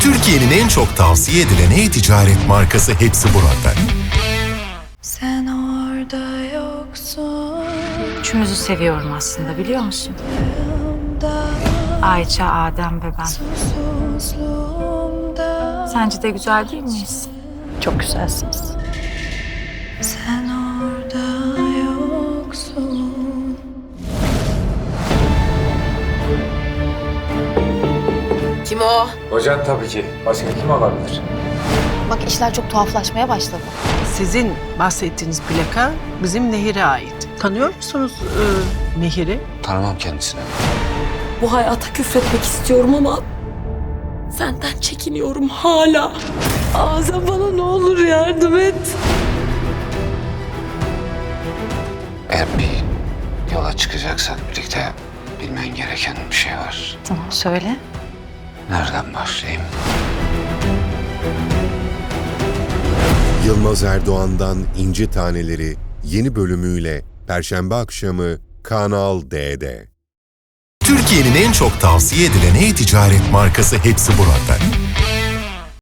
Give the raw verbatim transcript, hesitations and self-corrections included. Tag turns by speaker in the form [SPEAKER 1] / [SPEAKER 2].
[SPEAKER 1] Türkiye'nin en çok tavsiye edilen e-ticaret markası Hepsi Burada.
[SPEAKER 2] Sen orada yoksun.
[SPEAKER 3] Üçümüzü seviyorum aslında, biliyor musun? Ayça, Adem ve ben.
[SPEAKER 2] Susuzluğumda
[SPEAKER 3] Sence de güzel değil miyiz?
[SPEAKER 4] Çok güzelsiniz.
[SPEAKER 2] sen orada yoksun.
[SPEAKER 5] Kim o?
[SPEAKER 6] Hocan tabii ki. Başka kim olabilir?
[SPEAKER 4] Bak işler çok tuhaflaşmaya başladı.
[SPEAKER 7] Sizin bahsettiğiniz plaka bizim Nehir'e ait. Tanıyor musunuz e, Nehir'i?
[SPEAKER 8] Tanımam kendisini.
[SPEAKER 5] Bu hayata küfretmek istiyorum ama senden çekiniyorum hala. Azam bana ne olur yardım et.
[SPEAKER 8] Eğer bir yola çıkacaksak birlikte bilmen gereken bir şey var.
[SPEAKER 4] Tamam söyle.
[SPEAKER 8] Nereden başlayayım?
[SPEAKER 1] Yılmaz Erdoğan'dan İnci Taneleri yeni bölümüyle Perşembe akşamı Kanal D'de. Türkiye'nin en çok tavsiye edilen e-ticaret markası Hepsi Burada.